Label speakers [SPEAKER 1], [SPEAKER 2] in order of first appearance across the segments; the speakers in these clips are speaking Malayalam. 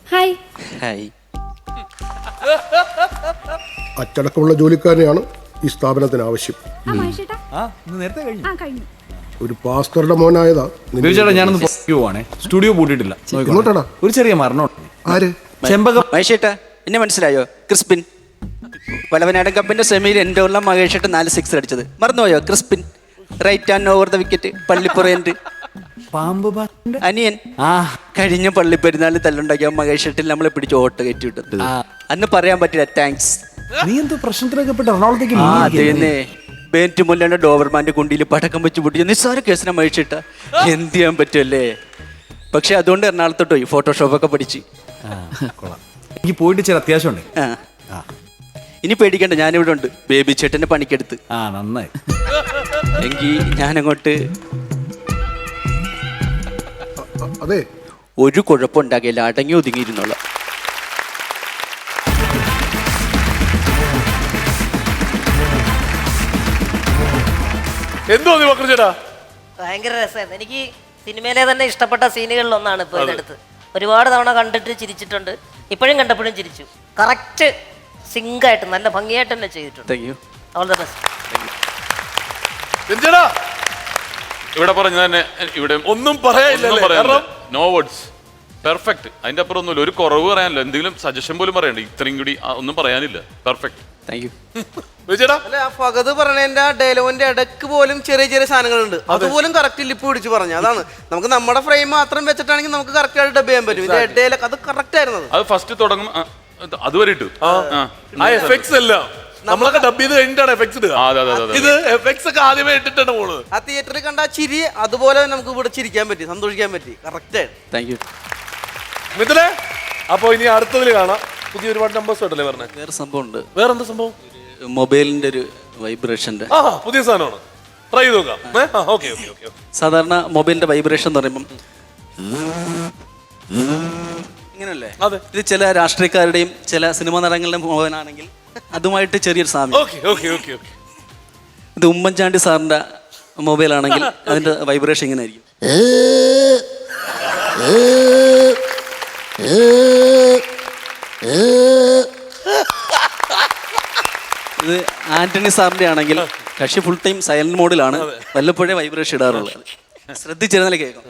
[SPEAKER 1] ഹായ്.
[SPEAKER 2] ഹായ്.
[SPEAKER 3] അച്ചടക്കമുള്ള ജോലിക്കാരെയാണ് ഈ സ്ഥാപനത്തിന് ആവശ്യം.
[SPEAKER 1] ആ മഹേഷേട്ടാ.
[SPEAKER 4] നേരത്തെ കഴിഞ്ഞു.
[SPEAKER 1] ആ കഴിഞ്ഞു.
[SPEAKER 3] ഒരു പാസ്റ്ററുടെ മോനായതാ നിന്റെ
[SPEAKER 4] ബേബിച്ചേട്ടാ ഞാനൊന്ന് പോവാണേ, സ്റ്റുഡിയോ പൂട്ടിയിട്ടില്ല.
[SPEAKER 3] എങ്ങോട്ടാടാ?
[SPEAKER 4] ഒരു ചെറിയ മരണം.
[SPEAKER 3] ആര്?
[SPEAKER 4] ചെമ്പകം.
[SPEAKER 2] മഹേഷേട്ടാ എന്നെ മനസ്സിലായോ? ക്രിസ്പിൻ വലവനാടൻ കപ്പിന്റെ സെമിയിൽ എൻ്റെ ഉള്ള മഹേഷേട്ടൻ 4 6 അടിച്ചത് മറന്നുപോയോ? Crispin right and over the wicket പള്ളിപ്പുറയൻ്റെ
[SPEAKER 4] പാമ്പ്
[SPEAKER 2] അനിയൻ.
[SPEAKER 4] ആ
[SPEAKER 2] കഴിഞ്ഞ പള്ളിപ്പെരുന്നാളിൽ തല്ലുണ്ടാക്കിയ മഹേഷേട്ടിൽ നമ്മളെ പിടിച്ച് ഓട്ട് കയറ്റി വിട്ടത്. അന്ന് പറയാൻ പറ്റില്ല താങ്ക്സ്.
[SPEAKER 4] നീ എന്തോ പ്രശ്നത്തിലൊക്കെ പെട്ട് എറണാകുളത്തേക്ക്
[SPEAKER 2] അതേന്നെ ബേറ്റ് മുല്ലയുടെ ഡോവർമാന്റെ കുണ്ടിയിൽ പടക്കം വെച്ച് പൊട്ടിച്ച നിസ്സാര കേസിനെ മഹിച്ചിട്ട എന്ത് ചെയ്യാൻ പറ്റുമല്ലേ. പക്ഷെ അതുകൊണ്ട് എറണാകുളത്തോട്ട് പോയി ഫോട്ടോഷോപ്പൊക്കെ പഠിച്ച്.
[SPEAKER 4] എനിക്ക് പോയിട്ട് ചില അത്യാവശ്യമുണ്ട്.
[SPEAKER 2] ഇനി പേടിക്കണ്ട, ഞാനിവിടെ ഉണ്ട് ബേബി ചേട്ടന്റെ പണിക്കെടുത്ത്.
[SPEAKER 4] നന്നായി.
[SPEAKER 2] എങ്കിൽ ഞാനങ്ങോട്ട്
[SPEAKER 3] അതെ,
[SPEAKER 2] ഒരു കുഴപ്പമുണ്ടാകില്ല, അടങ്ങി ഒതുങ്ങിയിരുന്നോളാം.
[SPEAKER 5] എന്തോ ചേട്ടാ
[SPEAKER 6] ഭയങ്കര രസമായിരുന്നു. എനിക്ക് സിനിമയിലെ തന്നെ ഇഷ്ടപ്പെട്ട സീനുകളിൽ ഒന്നാണ് ഇപ്പോൾ ഇതെടുത്ത്. ഒരുപാട് തവണ കണ്ടിട്ട് ചിരിച്ചിട്ടുണ്ട്, ഇപ്പോഴും കണ്ടപ്പോഴും ചിരിച്ചു. കറക്റ്റ് സിങ്കായിട്ട് നല്ല ഭംഗിയായിട്ട് തന്നെ ചെയ്തിട്ടുണ്ട്.
[SPEAKER 2] Thank you.
[SPEAKER 6] All the best.
[SPEAKER 5] ചേട്ടാ
[SPEAKER 7] ഇവിടെ പറഞ്ഞു തന്നെ ഇവിടെ
[SPEAKER 5] ഒന്നും പറയാനില്ല.
[SPEAKER 7] No words, perfect. അതിന്റെ അപ്പുറം ഒന്നുമില്ല, ഒരു കുറവ് പറയാനില്ല, എന്തെങ്കിലും സജഷൻ പോലും പറയണ്ട. ഇത്രയും കൂടി ഒന്നും പറയാനില്ല, പെർഫെക്റ്റ്.
[SPEAKER 2] Thank you.
[SPEAKER 5] ചേട്ടാ
[SPEAKER 8] അല്ല, ആ ഫഹദ് പറഞ്ഞതിന്റെ ആ ഡയലോഗിന്റെ ഇടക്ക് പോലും ചെറിയ ചെറിയ സാധനങ്ങളുണ്ട്, അതുപോലും കറക്റ്റ് ലിപ്പ് പിടിച്ച് പറഞ്ഞു. അതാണ് നമുക്ക് നമ്മുടെ ഫ്രെയിം മാത്രം വെച്ചിട്ടാണെങ്കിൽ നമുക്ക് കറക്റ്റ് ആയിട്ട് ഡബ് ചെയ്യാൻ പറ്റും. ഇത് ഇടയിലൊക്കെ അത് കറക്റ്റ് ആയിരുന്നു.
[SPEAKER 7] അത് ഫസ്റ്റ് തുടങ്ങും അതുവരെ ഇട്ടു.
[SPEAKER 5] ആ എഫക്ട്സ് എല്ലാം നമ്മളൊക്കെ ഡബ് ചെയ്ത് കഴിഞ്ഞിട്ടാണ് എഫക്ട്സ് ഇടുക. ഇത് എഫക്ട്സ് ഒക്കെ ആദ്യമേ ഇട്ടിട്ടാണ് പോണത്.
[SPEAKER 8] ആ തിയേറ്ററിൽ കണ്ട ആ ചിരി അതുപോലെ നമുക്ക് ഇവിടെ ചിരിക്കാൻ പറ്റി, സന്തോഷിക്കാൻ പറ്റി. കറക്റ്റ് ആയിട്ട്.
[SPEAKER 2] Thank you.
[SPEAKER 5] മിഥുനെ, അപ്പൊ ഇനി അടുത്തതിൽ കാണാം. പുതിയ ഒരുപാട് നമ്പേഴ്സ് ഉണ്ടല്ലേ പറഞ്ഞേ?
[SPEAKER 2] വേറെ സംഭവം ഉണ്ട്.
[SPEAKER 5] വേറെന്താ സംഭവം?
[SPEAKER 2] മൊബൈലിന്റെ ഒരു വൈബ്രേഷന്റെ
[SPEAKER 5] പുതിയ സാധനമാണ്. ട്രൈ ചെയ്ത് നോക്കാം.
[SPEAKER 2] സാധാരണ മൊബൈലിന്റെ വൈബ്രേഷൻ എന്ന് പറയുമ്പം ഇങ്ങനല്ലേ?
[SPEAKER 5] അതെ.
[SPEAKER 2] ഇത് ചില രാഷ്ട്രീയക്കാരുടെയും ചില സിനിമാ നടങ്ങളുടെയും മൊബൈലാണെങ്കിൽ അതുമായിട്ട് ചെറിയൊരു സാമ്യം. ഇത് ഉമ്മൻചാണ്ടി സാറിന്റെ മൊബൈലാണെങ്കിൽ അതിന്റെ വൈബ്രേഷൻ ഇങ്ങനെ ആയിരിക്കും. ഇത് ആന്റണി സാറിന്റെ ആണെങ്കിൽ കക്ഷി ഫുൾ ടൈം സൈലന്റ് മോഡിലാണ്, വല്ലപ്പോഴേ വൈബ്രേഷൻ ഇടാറുള്ളത്. ശ്രദ്ധിച്ചിരുന്നാലേ കേൾക്കാം.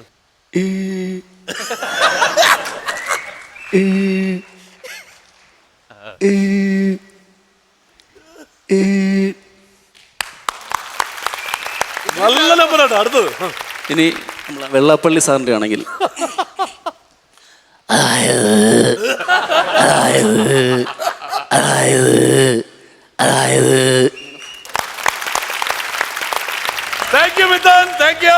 [SPEAKER 5] നല്ല നമ്പറാണ്. അടുത്തത്
[SPEAKER 2] ഇനി നമ്മളെ വെള്ളാപ്പള്ളി സാറിന്റെ ആണെങ്കിൽ
[SPEAKER 5] thank you Mithun, thank U.